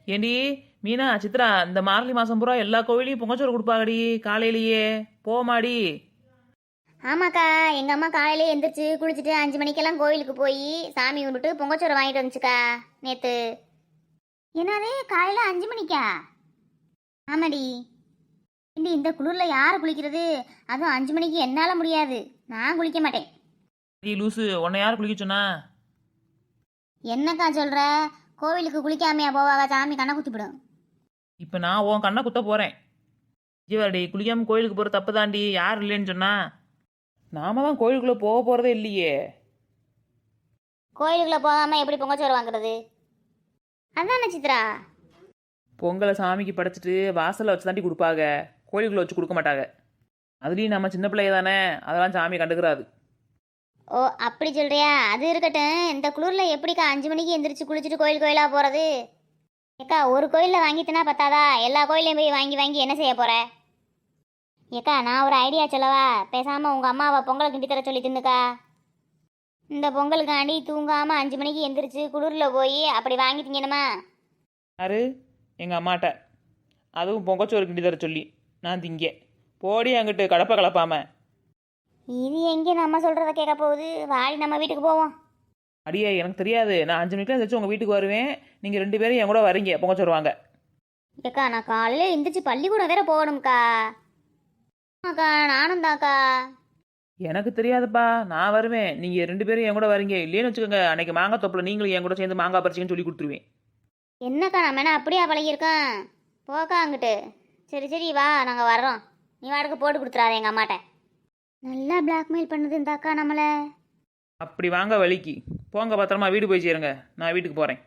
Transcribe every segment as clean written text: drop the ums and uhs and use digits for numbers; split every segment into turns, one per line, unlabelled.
ஏண்டி மீனா சித்ரா இந்த மார்கழி மாசம் பூரா எல்லா கோவிலையும் பொங்கச்சோறு கொடுப்பாங்கடி காலையிலேயே போமாடி.
ஆமாக்கா, எங்கள் அம்மா காலையிலே எந்திரிச்சு குளிச்சுட்டு 5 மணிக்கெல்லாம் கோயிலுக்கு போய் சாமி கும்பிட்டு பொங்கச்சோறு வாங்கிட்டு வந்துச்சுக்கா நேற்று. என்னது காலையில் 5 மணிக்கா? ஆமாடி. இண்டி இந்த குளிரில் யார் குளிக்கிறது? அதுவும் 5 மணிக்கு என்னால் முடியாது, நான் குளிக்க மாட்டேன்.
நீ லூசு, உன்னை யார் குளிக்க சொன்னா?
என்னக்கா சொல்கிற? கோவிலுக்கு குளிக்காமையா போவாங்க? சாமி கண்ணை குத்திவிடும்.
இப்போ நான் உன் கண்ணை குத்த போறேன். ஜீவாடி குளிக்காம கோயிலுக்கு போற தப்பு தாண்டி. யார் இல்லைன்னு சொன்னா? நாம தான் கோயிலுக்குள்ள போக போறதே இல்லையே.
கோயிலுக்குள்ளே போகாமல் எப்படி பொங்கச்சோறு வாங்குறது? அதானே சித்ரா.
பொங்கலை சாமிக்கு படைச்சிட்டு வாசல்ல வச்சு தாண்டி கொடுப்பாங்க, கோயிலுக்குள்ள வச்சு கொடுக்க மாட்டாங்க. அதுலேயும் நம்ம சின்ன பிள்ளைய தானே, அதெல்லாம் சாமி கண்டுக்கிறாது.
ஓ அப்படி சொல்கிறியா? அது இருக்கட்டும், இந்த குளிரில் எப்படிக்கா 5 மணிக்கு எந்திரிச்சு குளிச்சுட்டு கோயிலாக போகிறது? ஏக்கா ஒரு கோயிலில் வாங்கிட்டுனா பத்தாதா? எல்லா கோயிலையும் போய் வாங்கி வாங்கி என்ன செய்ய போகிற? ஏக்கா நான் ஒரு ஐடியா சொல்லவா? பேசாமல் உங்கள் அம்மாவை பொங்கலை கிண்டி தர சொல்லி தின்னுக்கா. இந்த பொங்கலுக்காண்டி தூங்காமல் 5 மணிக்கு எந்திரிச்சு குளிரில் போய் அப்படி வாங்கி திங்கணுமா?
யாரு? எங்கள் அம்மாட்ட. அதுவும் பொங்கச்சோறு கிண்டி தர சொல்லி நான் திங்க போடி அங்கிட்டு கடப்பை கலப்பாம.
இது எங்கே நம்ம சொல்கிறத கேட்க போகுது? வாடி நம்ம வீட்டுக்கு போவோம்.
அடியே எனக்கு தெரியாது, நான் 5 மணிக்கெலாம் எந்திரிச்சு உங்கள் வீட்டுக்கு வருவேன். நீங்கள் 2 பேரும் என் கூட வரீங்க பொங்கச்சோறு வாங்க.
ஏக்கா நான் காலையில் எந்திரிச்சு பள்ளிக்கூடம் வேற போகணும்க்கா. ஆமாக்கா நானும் தாக்கா.
எனக்கு தெரியாதுப்பா, நான் வருவேன். நீங்கள் 2 பேரும் என் கூட வரீங்க. இல்லைன்னு வச்சுக்கோங்க, அன்னைக்கு மாங்காய் தொப்பில் நீங்களும் என் கூட சேர்ந்து மாங்காய் பறிச்சிங்கன்னு சொல்லி கொடுத்துருவேன்.
என்னக்கா நம்ம என்ன அப்படியா பழகியிருக்கோம்? போக்கா அங்கிட்டு. சரி சரி வா, நாங்கள் வர்றோம். நீ வாடகை போட்டு கொடுத்துறாத எங்கள் அம்மாட்ட. நல்லா பிளாக்மெயில் பண்ணுது இந்த அக்கா நம்மளை.
அப்படி வாங்க வழிக்கு போங்க, பத்திரமா வீடு போய் சேருங்க. நான் வீட்டுக்கு போகிறேன்.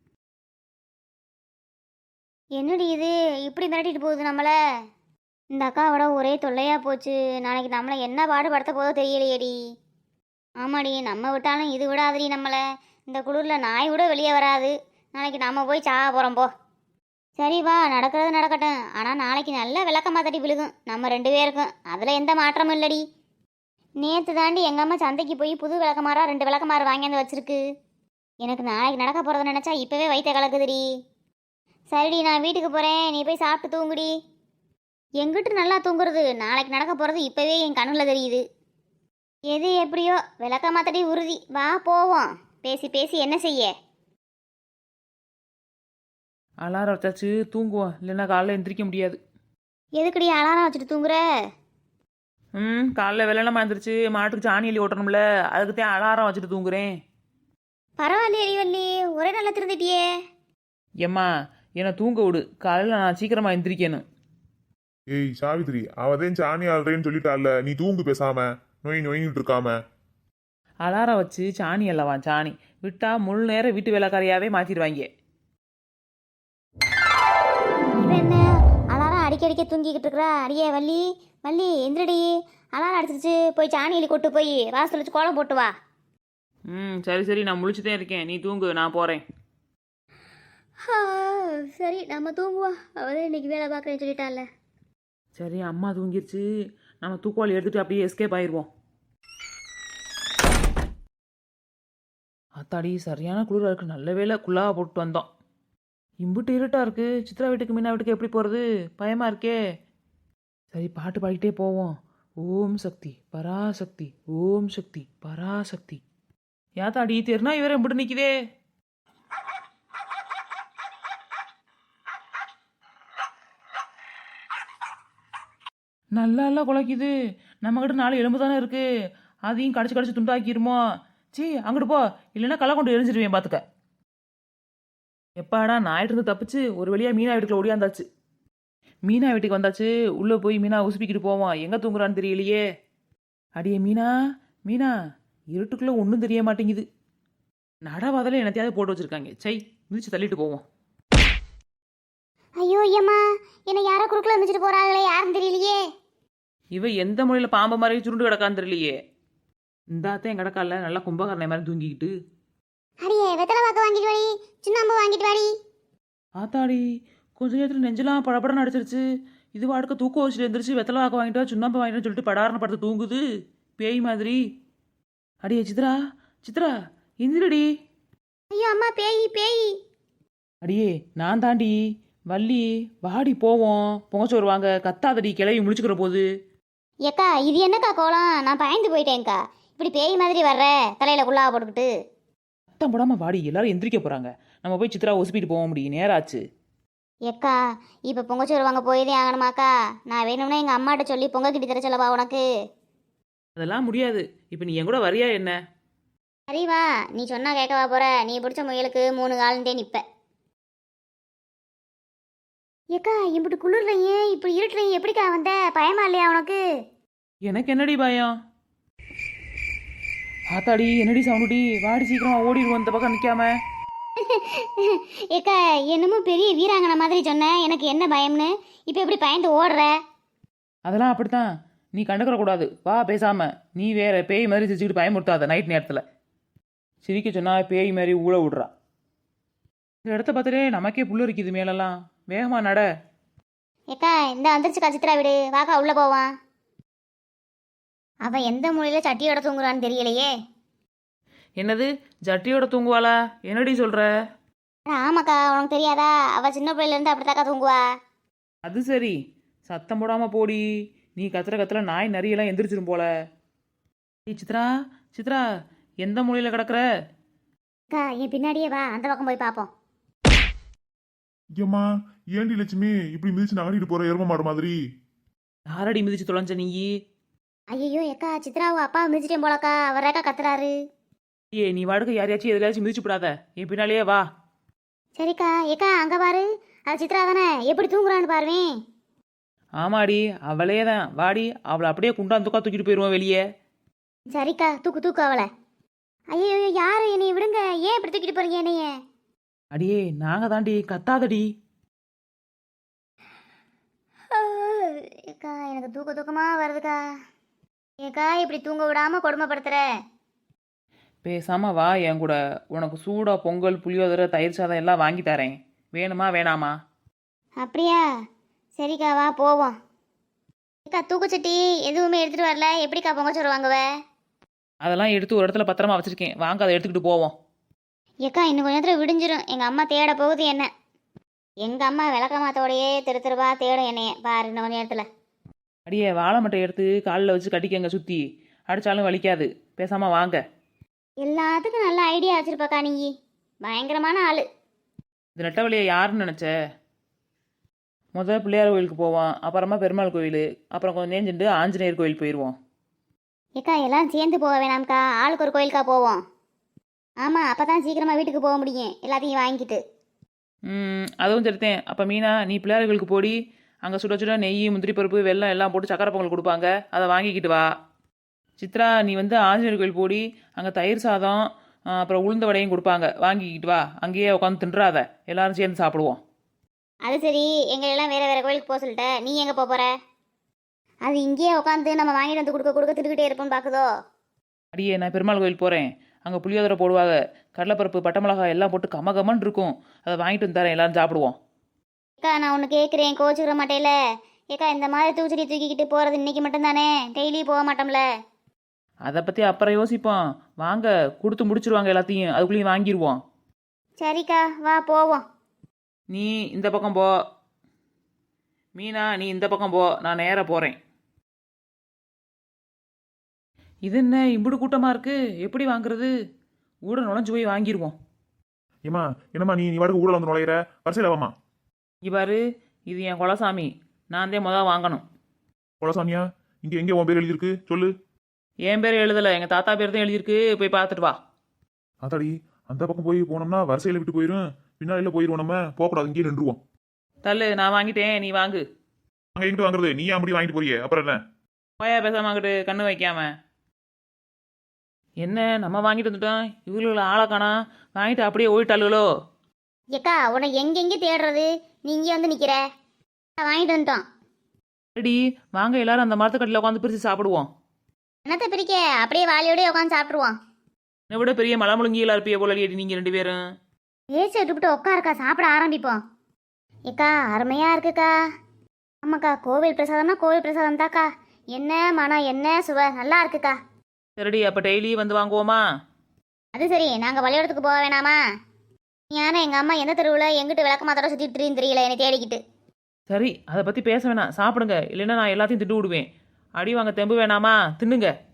என்னடி இது இப்படி மிரட்டிட்டு போகுது நம்மளை? இந்த அக்காவோட ஒரே தொல்லையாக போச்சு. நாளைக்கு நம்மளை என்ன பாடுபடுத்த போதோ தெரியலையேடி. ஆமாடி, நம்ம விட்டாலும் இது விடாதடி நம்மளை. இந்த குளிரில் நாய் விட வெளியே வராது. நாளைக்கு நம்ம போய் சாக போகிறோம் போ. சரி வா, நடக்கிறது நடக்கட்டும். ஆனால் நாளைக்கு நல்ல விளக்கமாக தட்டி விழுகும் நம்ம 2 பேருக்கும். அதில் எந்த மாற்றமும் இல்லடி. நேற்று தாண்டி எங்கள் அம்மா சந்தைக்கு போய் புது விளக்கமாரா 2 விளக்கமாறு வாங்கியாந்து வச்சிருக்கு. எனக்கு நாளைக்கு நடக்க போகிறத நினச்சா இப்போவே வயிற்ற கலக்குதுடி. சரிடி நான் வீட்டுக்கு போகிறேன், நீ போய் சாப்பிட்டு தூங்குடி. எங்கிட்டு நல்லா தூங்குறது? நாளைக்கு நடக்க போகிறது இப்போவே என் கண்ணில் தெரியுது. எது எப்படியோ விளக்கமாக தட்டி உறுதி. வா போவோம். பேசி பேசி என்ன செய்ய?
அலாரம் வச்சாச்சு, தூங்குவோம். இல்லைன்னா காலைல எந்திரிக்க முடியாது.
எதுக்குடி அலாரம் வச்சுட்டு தூங்குற?
காலைல வெள்ளனமா எழுந்திரிச்சு மாட்டுக்கு சாணி எலி ஓட்டணும்ல, அதுக்கு தான் அலாரம் வச்சுட்டு தூங்குறேன்.
பரவாயில்லையே அடிவல்லி, ஒரே நல்லா திருந்துட்டியே.
ஏம்மா என்னை தூங்க விடு, காலையில் நான் சீக்கிரமாக எந்திரிக்கணும்.
ஏய் சாவித்ரி, அவதேன் சாணி ஆள்றேன்னு சொல்லிட்டால, நீ தூங்கு பேசாம. நோயின்னு இருக்காம.
அலாரம் வச்சு சாணி அல்லவா சாணி விட்டா முழு நேரம் வீட்டு வேலைக்காரியாவே மாற்றிடுவாங்க.
இவன் என்ன அலாரம் அடிக்க தூங்கிக்கிட்டு இருக்கிறா? அடியே வள்ளி வள்ளி எந்திரடி, அலாரம் அடிச்சிருச்சு. போய் சாணி எலி கொட்டு போய் வாசல் வச்சு கோலம் போட்டு வா.
சரி சரி, நான் முழிச்சுட்டே இருக்கேன், நீ தூங்கு, நான் போகிறேன்.
சரி நம்ம தூங்குவோம். அவதான் இன்னைக்கு வேலை பார்க்குறேன்னு சொல்லிட்டால.
சரி அம்மா தூங்கிருச்சு, நம்ம தூக்குவாளி எடுத்துட்டு அப்படியே எஸ்கேப் ஆயிடுவோம். அத்தாடி சரியான குளிராக இருக்குது. நல்ல வேலை குள்ளாக போட்டு வந்தோம். இம்புட்டு இருட்டாக இருக்குது. சித்ரா வீட்டுக்கு மீனா வீட்டுக்கு எப்படி போகிறது? பயமாக இருக்கே. சரி பாட்டு பாடிக்கிட்டே போவோம். ஓம் சக்தி பராசக்தி, ஓம் சக்தி பராசக்தி. யாத்தாடி தெருனா இவரை இம்புட்டு நிற்குதே. நல்லா குலைக்குது. நம்மக்கிட்ட 4 எலும்பு தானே இருக்குது, அதையும் கடிச்சு துண்டாக்கிருமோ? சீ அங்கிட்டு போ, இல்லைன்னா களை கொண்டு எரிஞ்சிருவேன் பார்த்துக்க. எப்பாடா ஞாயிற்றுருந்து தப்பிச்சு ஒரு வழியாக மீனா வீட்டுக்குள்ள ஓடியாந்தாச்சு. மீனா வீட்டுக்கு வந்தாச்சு. உள்ளே போய் மீனா உசுப்பிக்கிட்டு போவோம். எங்கே தூங்குறான்னு தெரியலையே. அடியே மீனா மீனா, இருட்டுக்குள்ளே ஒன்றும் தெரிய மாட்டேங்குது. நடவாதல என்னத்தையாவது போட்டு வச்சுருக்காங்க. சை மிதிச்சு தள்ளிட்டு போவோம்.
ஐயோ ஐயம்மா, என்னை யாரோ குறுக்கில் வந்துச்சுட்டு போகிறாங்களே, யாரும் தெரியலையே.
இவ எந்த மொழியில் பாம்பு மாதிரி சுருண்டு கிடக்கான்னு தெரியலையே. இந்தாத்தான் கிடக்கால நல்லா கும்பகரணை மாதிரி தூங்கிக்கிட்டு.
அடியே வெத்தலை பாக்கு வாங்கிட்டு வாடி, சுண்ணாம்பு வாங்கிட்டு வாடி.
ஆத்தாடி கொஞ்ச நேரத்தில் நெஞ்செல்லாம் படப்படன்னு அடிச்சிருச்சு. இது வாடுக்க தூக்கம் வச்சுட்டு எழுந்திரிச்சு வெத்தலை வாக்க வாங்கிட்டு வா, சுண்ணாம்பு வாங்கிட்டு சொல்லிட்டு படாரண படுத்து தூங்குது பேய் மாதிரி. அடியே சித்ரா சித்ரா எந்திரடி.
ஐயோ அம்மா, பேய் பேய்.
அடியே நான் தாண்டி வள்ளி, வாடி போவோம். பொங்கச்சோறு வாங்க. கத்தாதடி, கிளவி முழிச்சுக்கிற போது.
ஏக்கா இது என்னக்கா கோலம்? நான் பயந்து போயிட்டேன்க்கா. இப்படி பேய் மாதிரி வர்ற தலையில குள்ளாக போட்டுக்கிட்டு.
சத்தம் போடாம வாடி, எல்லாரும் எந்திரிக்க போறாங்க. நம்ம போய் சித்ரா ஒசிப்பிட்டு போக முடியும், நேராச்சு.
ஏக்கா இப்போ பொங்கச்சோறு வாங்க போயதே ஆகணுமாக்கா? நான் வேணும்னா எங்கள் அம்மாட்ட சொல்லி பொங்க கிட்டி தர சொல்லவா உனக்கு?
அதெல்லாம் முடியாது. இப்போ நீ என் கூட வரியா என்ன?
சரி வா, நீ சொன்னா கேட்கவா போற? நீ பிடிச்ச முயலுக்கு 3 காலந்தே நிப்ப. ஏக்கா இப்படி குளிர்லையும் இப்படி இருட்டுலையும் எப்படிக்கா வந்த? பயமா இல்லையா உனக்கு?
எனக்கு என்னடி பயம்? ஆத்தாடி, என்னடி சவுண்டுடி? வாடி, சீக்கிரமா ஓடிடுவோம் இந்த பக்கம் நிக்காம.
ஏக்கா என்னமோ பெரிய வீராங்கனை மாதிரி சொன்ன, எனக்கு என்ன பயம்னு. இப்போ எப்படி பயந்து ஓடுற?
அதெல்லாம் அப்படித்தான். நீ கண்டுக்கிற கூடாது. வா பேசாம. நீ வேற பேய் மாதிரி சிரிச்சுக்கிட்டு பயமுறுத்தாத நைட் நேரத்தில். சிரிக்க சொன்னா பேய் மாதிரி ஊழ விடுறா. இந்த இடத்த பார்த்துட்டே நமக்கே புல்லு இருக்குது மேலெல்லாம். வேகமா நட.
ஏக்கா இந்த வந்துருச்சுக்கா சித்ரா வீடு. வாக்கா உள்ள போவான். அவன் எந்த மூலையில சட்டியோட தூங்குறான்னு தெரியலையே.
என்னது, ஜட்டியோட தூங்குவாளா? என்னடி சொல்ற?
ஆமாக்கா, உனக்கு தெரியாதா? அவ சின்ன பிள்ளைல இருந்து அப்படித்தாக்கா தூங்குவா.
அது சரி. சத்தம் போடாம போடி. நீ கத்துற கத்துல நாய் நரியெல்லாம் எந்திரிச்சிரும் போல. ஏய் சித்ரா, சித்ரா, எந்த மூலையில கிடக்குற?
அக்கா என் பின்னாடியே வா, அந்த பக்கம் போய் பார்ப்போம்.
ஏம்மா, ஏண்டி லட்சுமி இப்படி மிதிச்சு நகடிட்டு போற எரும மாடு மாதிரி?
யாரடி மிதிச்சு தொலைஞ்ச நீ?
ஐயோ ஏக்கா, சித்ராவை அப்பா மிதிச்சிட்டேன் போலக்கா. அவரேக்கா கத்துறாரு.
ஏ, நீ வாடுக்க யாரையாச்சும் எதுலாச்சும் மிதிச்சு விடாத. என் பின்னாலேயே வா.
சரிக்கா. ஏக்கா அங்க பாரு, அது சித்ரா தானே? எப்படி தூங்குறான்னு பாருவேன்.
ஆமாடி, அவளே தான். வாடி, அவளை அப்படியே குண்டாந்துக்கா தூக்கிட்டு போயிடுவோம் வெளியே.
சரிக்கா, தூக்கு தூக்கு அவளை. ஐயோ யாரு? என்னைய விடுங்க. ஏன் இப்படி தூக்கிட்டு போறீங்க என்னைய?
அடியே, நாங்க தாண்டி. கத்தாதடி.
ஏக்கா எனக்கு தூக்க தூக்கமா வருதுக்கா. ஏக்கா இப்படி தூங்க விடாம கொடுமைப்படுத்துற.
பேசாம வா என் கூட. உனக்கு சூடா பொங்கல், புளியோதரை, தயிர் சாதம் எல்லாம் வாங்கி தரேன். வேணுமா வேணாமா?
அப்படியா? சரிக்கா வா போவோம். ஏக்கா தூக்குச்சட்டி எதுவுமே எடுத்துட்டு வரல, எப்படிக்கா பொங்கச்சோறு வாங்குவ?
அதெல்லாம் எடுத்து ஒரு இடத்துல பத்திரமா வச்சிருக்கேன். வாங்க, அதை எடுத்துக்கிட்டு போவோம்.
ஏக்கா இன்னும் கொஞ்ச நேரத்தில் விடிஞ்சிரும். எங்கள் அம்மா தேட போகுது என்ன. எங்கள் அம்மா விளக்கமாத்தோடையே தெரு தெருவா தேடும் என்னைய பாரு. இன்னும் கொஞ்ச நேரத்தில்.
அடியே, வாழை மட்டை எடுத்து காலில் வச்சு கட்டிக்கங்க சுற்றி. அடித்தாலும் வலிக்காது. பேசாம வாங்க.
எல்லாத்துக்கும் நல்ல ஐடியா வச்சிருப்பாக்கா நீ. பயங்கரமான ஆளு.
இந்த நெட்டவழியை யாருன்னு நினச்ச? முதல்ல பிள்ளையார் கோயிலுக்கு போவோம். அப்புறமா பெருமாள் கோயில். அப்புறம் கொஞ்சம் நேஞ்சிட்டு ஆஞ்சநேயர் கோயில் போயிடுவோம்.
ஏக்கா எல்லாம் சேர்ந்து போக வேணாம்க்கா, ஆளுக்கு ஒரு கோயிலுக்கா போவோம். ஆமாம், அப்போ தான் சீக்கிரமாக வீட்டுக்கு போக முடியும் எல்லாத்தையும் வாங்கிட்டு.
அதுவும் சரித்தேன். அப்போ மீனா, நீ பிள்ளையார் கோயிலுக்கு போடி. அங்கே சுட சுட நெய், முந்திரி பருப்பு, வெல்லம் எல்லாம் போட்டு சக்கரை பொங்கல் கொடுப்பாங்க. அதை வாங்கிக்கிட்டு வா. சித்ரா, நீ வந்து ஆஞ்சநேயர் கோயில் போடி. அங்கே தயிர் சாதம், அப்புறம் உளுந்த வடையும் கொடுப்பாங்க. வாங்கிக்கிட்டு வா. அங்கேயே உட்காந்து தின்றாத. எல்லாரும் சேர்ந்து சாப்பிடுவோம்.
அது சரி, எங்களெல்லாம் வேறு வேறு கோயிலுக்கு போக சொல்லிட்ட. நீ எங்கே போகிற? அது இங்கேயே உட்காந்து நம்ம வாங்கிட்டு வந்து கொடுக்க கொடுக்க திட்டுக்கிட்டே இருப்போம்னு பார்க்குதோ.
அடியே, நான் பெருமாள் கோயில் போகிறேன். அங்கே புளியோதரை போடுவாங்க. கடலைப்பருப்பு, பட்டை மிளகாய் எல்லாம் போட்டு கமகமன்னு இருக்கும். அதை வாங்கிட்டு வந்து தரேன். எல்லாரும் சாப்பிடுவோம்.
ஏக்கா நான் ஒன்று கேட்குறேன், கோச்சுக்கிற மாட்டேல? ஏக்கா இந்த மாதிரி தூச்சடி தூக்கிக்கிட்டு போகிறது இன்னைக்கு மட்டும்தானே? டெய்லி போக மாட்டோம்ல?
அதை பற்றி அப்புறம் யோசிப்போம். வாங்க, கொடுத்து முடிச்சிருவாங்க எல்லாத்தையும். அதுக்குள்ளேயும் வாங்கிடுவோம்.
சரிக்கா வா போவோம்.
நீ இந்த பக்கம் போ. மீனா, நீ இந்த பக்கம் போ. நான் நேராக போகிறேன். இது என்ன இம்புடு கூட்டமாக இருக்கு? எப்படி வாங்குறது? ஊட நுழைஞ்சு போய் வாங்கிடுவோம்.
ஏமா, என்னம்மா நீ நீ வாடகை ஊழல் வந்து நுழையிற? வரிசையில் வாமா.
இவ்வாறு, இது என் குலசாமி. நான் தான் முதல் வாங்கணும்.
குலசாமியா? இங்கே எங்கே உன் பேர் எழுதியிருக்கு சொல்லு.
என் பேர் எழுதலை, எங்கள் தாத்தா பேர் தான் எழுதியிருக்கு. போய் பார்த்துட்டு வா.
அதாடி, அந்த பக்கம் போய் போனோம்னா வரிசையில் விட்டு போயிடும். பின்னாடியில் போயிடுவோம். நம்ம போகக்கூடாது, இங்கேயே நின்றுவோம்.
தள்ளு, நான் வாங்கிட்டேன். நீ வாங்கு.
அங்கே எங்கிட்டு வாங்குறது? நீ அப்படி வாங்கிட்டு போறியே, அப்புறம் என்ன?
போயா பேசாம வாங்கிட்டு கண்ணு வைக்காம. என்ன, நம்ம வாங்கிட்டு வந்துட்டோம். இவ்வளோ ஆளை காணா. வாங்கிட்டு அப்படியே ஓடிட்டாளுகளோ?
ஏக்கா உன்னை எங்கெங்கே தேடுறது? நீ இங்கே வந்து நிற்கிற. வாங்கிட்டு வந்துட்டோம்.
ரெடி, வாங்க எல்லாரும் அந்த மரத்துக்கட்டில் உட்காந்து பிரித்து சாப்பிடுவோம்.
என்னத்தை பிரிக்க, அப்படியே வாலியோடய உட்காந்து சாப்பிட்ருவோம்.
என்னை விட பெரிய மலை முழுங்கியெல்லாம் இருப்பிய போல அடியடி நீங்கள் 2 பேரும்.
ஏசி விட்டுவிட்டு உட்காருக்கா, சாப்பிட ஆரம்பிப்போம். ஏக்கா அருமையாக இருக்குக்கா. ஆமாக்கா, கோவில் பிரசாதம்னா கோவில் பிரசாதம் தாக்கா. என்ன மனம், என்ன சுவை, நல்லா இருக்குக்கா.
சரிடி, அப்போ டெய்லி வந்து வாங்குவோமா?
அது சரி, நாங்கள் பள்ளியோடத்துக்கு போக வேணாமா? ஏன்னா எங்கள் அம்மா எந்த தெருவில் எங்கிட்ட விளக்க மாத்தோட சுற்றிட்டு தெரியல என்னை தேடிக்கிட்டு.
சரி அதை பற்றி பேச வேணாம், சாப்பிடுங்க, இல்லைன்னா நான் எல்லாத்தையும் திட்டு விடுவேன். அடி வாங்க தெம்பு வேணாமா, தின்னுங்க.